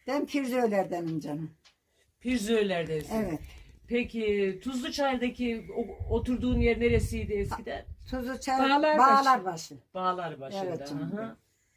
Ben Pirzöler'denim canım. Pirzöler'desin. Evet. Peki Tuzluçay'daki oturduğun yer neresiydi eskiden? Tuzluçay Bağlarbaşı. Bağlarbaşı. Bağlarbaşı'nda. Evet canım. Hı hı.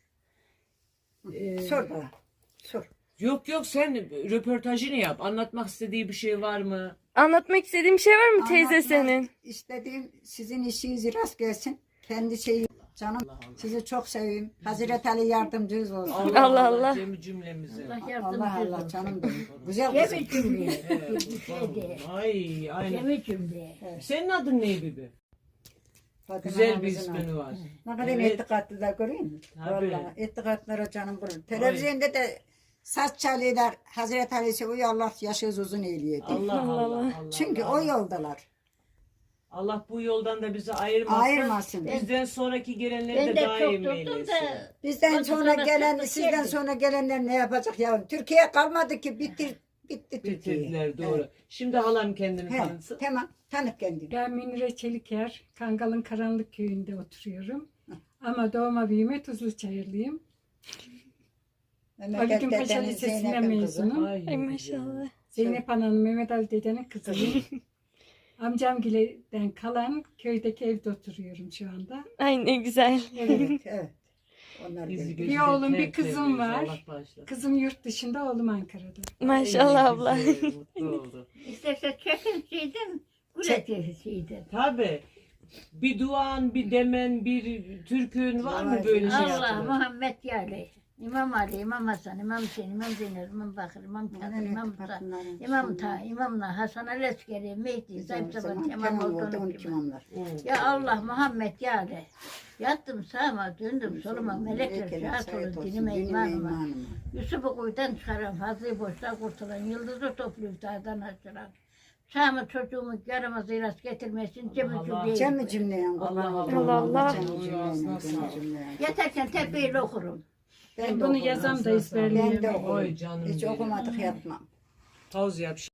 Sor bana. Sor. Yok sen röportajını yap. Anlatmak istediği bir şey var mı? Anlatmak istediğin bir şey var mı teyze Anlatmak senin? İstediğim sizin işiniz rast gelsin. Kendi şeyi canım. Sizi çok seveyim. Hazreti Ali yardımcınız olsun. Allah Allah. Cümlemize. Allah Allah canım benim. Güzel Cemil kızım. cümle. Ay aynen. Cemil cümle. Senin adın ne Bibi? Fatıma Güzel bir Hanım'ızın ismin adı. var. Ne kadar Evet. itikatlılar görüyor musun? Tabii. Vallahi itikatlara canım kurur. Televizyonda da saç çalıyorlar. Hazreti Ali'si uyu Allah yaşınız uzun eyleyedi. Allah Allah. Allah Çünkü Allah. o yoldalar. Allah bu yoldan da bizi ayırmasın. Ayırmasın. Bizden sonraki gelenleri Ben de de daim çok tuttum eylesin. da. Bizden Ondan sonra sonra gelen, çıktı, sizden geldi. sonra gelenler ne yapacak yavrum? Türkiye kalmadı ki bitti Türkiye. Bitirdiler doğru. Evet. Şimdi halam kendini He, tanıtsın. tamam tanık kendini. Ben Münire Çeliker, Kangal'ın Karanlık Köyü'nde oturuyorum. Ama doğma büyüme Tuzluçayırlıyım. Ali Gün Paşa Lisesi'nden mezunum. Ay, Ay maşallah. Zeynep Ana'nın Mehmet Ali dedenin kızıyım. Amcamgileden kalan köydeki evde oturuyorum şu anda. Ay ne güzel. Evet, evet. Onlar Bizi geldi. gözü Bir oğlum, bir tertemiz, kızım var. Allah bağışlasın. Kızım yurt dışında, oğlum Ankara'da. Maşallah Ay, abla. güzel, mutlu oldu. İsterse çekin üreticiydin. Tabii. Bir duan, bir demen, bir türkün var mı böyle şey Allah yapılır? Muhammed Yali. İmam Ali, İmam Hasan, İmam Hüseyin, İmam Zeynep, İmam Bakır, İmam Kadir, İmam Ta, İmam Ta, İmam Hasan Aleskeri, Mehdi, Zayıf Saban, İmam Oltan'ın imamlar. Ya Allah Muhammed Yali. Yattım sağıma, döndüm soluma, melekler şahat olun dinime imanıma. Yusuf'u kuyudan çıkaran, Fazlı'yı boşluğa kurtulan, yıldızı toplayıp dağdan açılan. Sağımı çocuğumu yaramaz iras getirmesin, cemi Allah. cümleyi. Cemi cümleyen Allah Allah Allah. Yatarken tepeyle okurum. Ben bunu yazam da ezberleyeyim. Ben de Oy okurum. canım Hiç benim. okumadık yapmam. Tavz yap.